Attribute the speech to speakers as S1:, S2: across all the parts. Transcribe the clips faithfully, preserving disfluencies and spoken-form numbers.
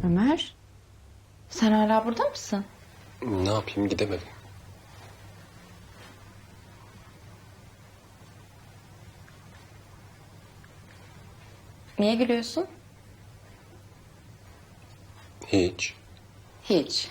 S1: Ömer, sen hala burada mısın?
S2: Ne yapayım, gidemedim.
S1: Niye gülüyorsun?
S2: Hiç.
S1: Hiç.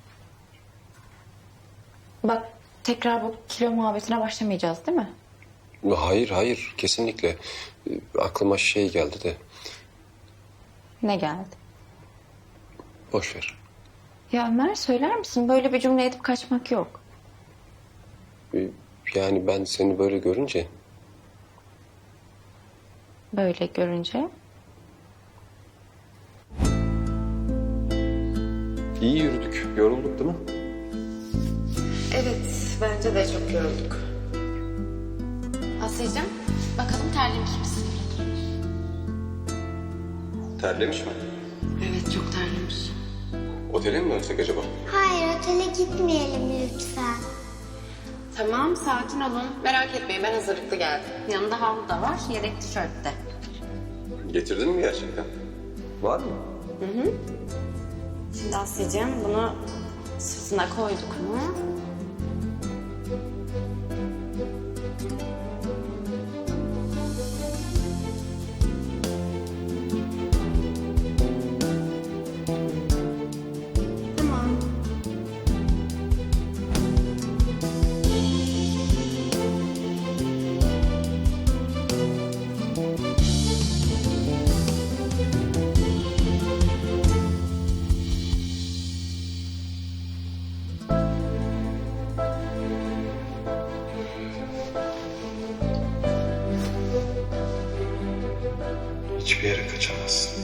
S1: Bak, tekrar bu kilo muhabbetine başlamayacağız değil mi?
S2: Hayır hayır, kesinlikle. Ee, Aklıma şey geldi de
S1: Ne geldi?
S2: boş ver.
S1: Ya Ömer, söyler misin? Böyle bir cümle edip kaçmak yok.
S2: Ee, Yani ben seni böyle görünce
S1: Böyle görünce.
S2: iyi yürüdük, yorulduk değil mi?
S1: Evet, bence de çok yorulduk. Asya'cığım, bakalım terlemiş misin?
S2: Terlemiş mi?
S1: Evet, çok terlemiş.
S2: Otele mi dönsek acaba?
S3: Hayır, otele gitmeyelim lütfen.
S1: Tamam, sakin olun. Merak etmeyin, ben hazırlıklı geldim. Yanında havlu da var, yedek tişört de.
S2: Getirdin mi gerçekten? Var mı?
S1: Şimdi Asya'cığım, bunu sırtına koyduk mu?
S3: Tamam.
S2: Hiçbir yere kaçamazsın.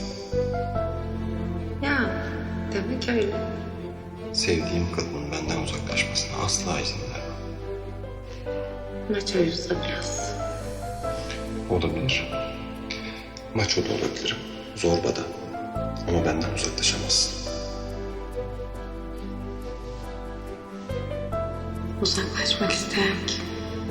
S1: Ya, demek öyle.
S2: Sevdiğim kadının benden uzaklaşmasına asla izin vermem.
S1: Maç oyuncusu biraz.
S2: Olabilir. Maço da olabilirim. Zorba da. Ama benden uzaklaşamazsın.
S1: Uzaklaşmak isteyen kim?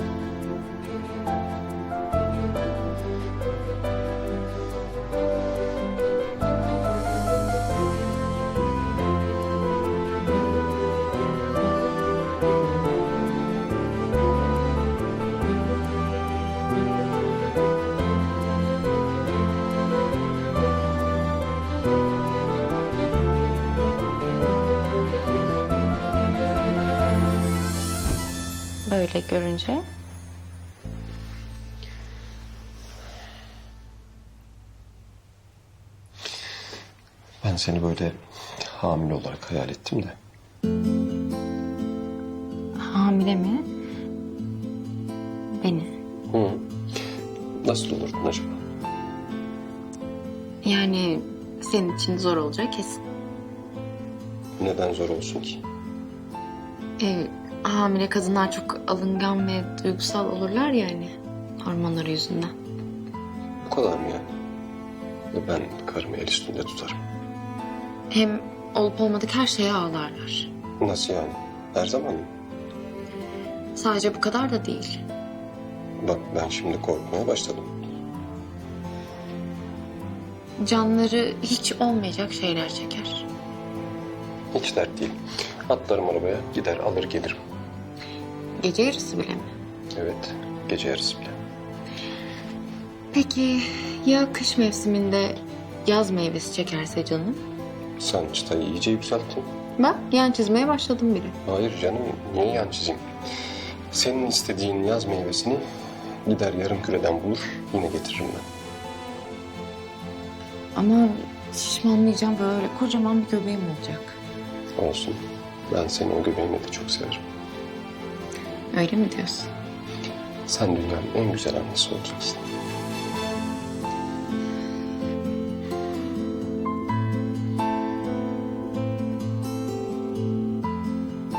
S1: Böyle görünce.
S2: Ben seni böyle hamile olarak hayal ettim de.
S1: Hamile mi? Beni.
S2: Hı. Nasıl olurdun acaba?
S1: Yani senin için zor olacak kesin.
S2: Neden zor olsun ki?
S1: Ee, hamile kadınlar çok alıngan ve duygusal olurlar yani hormonları yüzünden.
S2: Bu kadar mı yani? Ve ben karımı el üstünde tutarım.
S1: Hem olup olmadık her şeye ağlarlar.
S2: Nasıl yani? Her zaman mı?
S1: Sadece bu kadar da değil.
S2: Bak ben şimdi korkmaya başladım.
S1: Canları hiç olmayacak şeyler çeker.
S2: Hiç dert değil. Atlarım arabaya, gider alır gelirim.
S1: Gece yarısı bile mi?
S2: Evet, gece yarısı bile.
S1: Peki ya kış mevsiminde yaz meyvesi çekerse canım?
S2: Sen çıtayı iyice yükselttin.
S1: Bak yan çizmeye başladım bile.
S2: Hayır canım, niye yan çizeyim? Senin istediğin yaz meyvesini gider yarım küreden bulur, yine getiririm ben.
S1: Ama şişmanlayacağım, böyle kocaman bir göbeğim olacak.
S2: Olsun, ben seni o göbeğimle de çok severim.
S1: Öyle mi diyorsun?
S2: Sen dünyanın en güzel annesi olacaksın.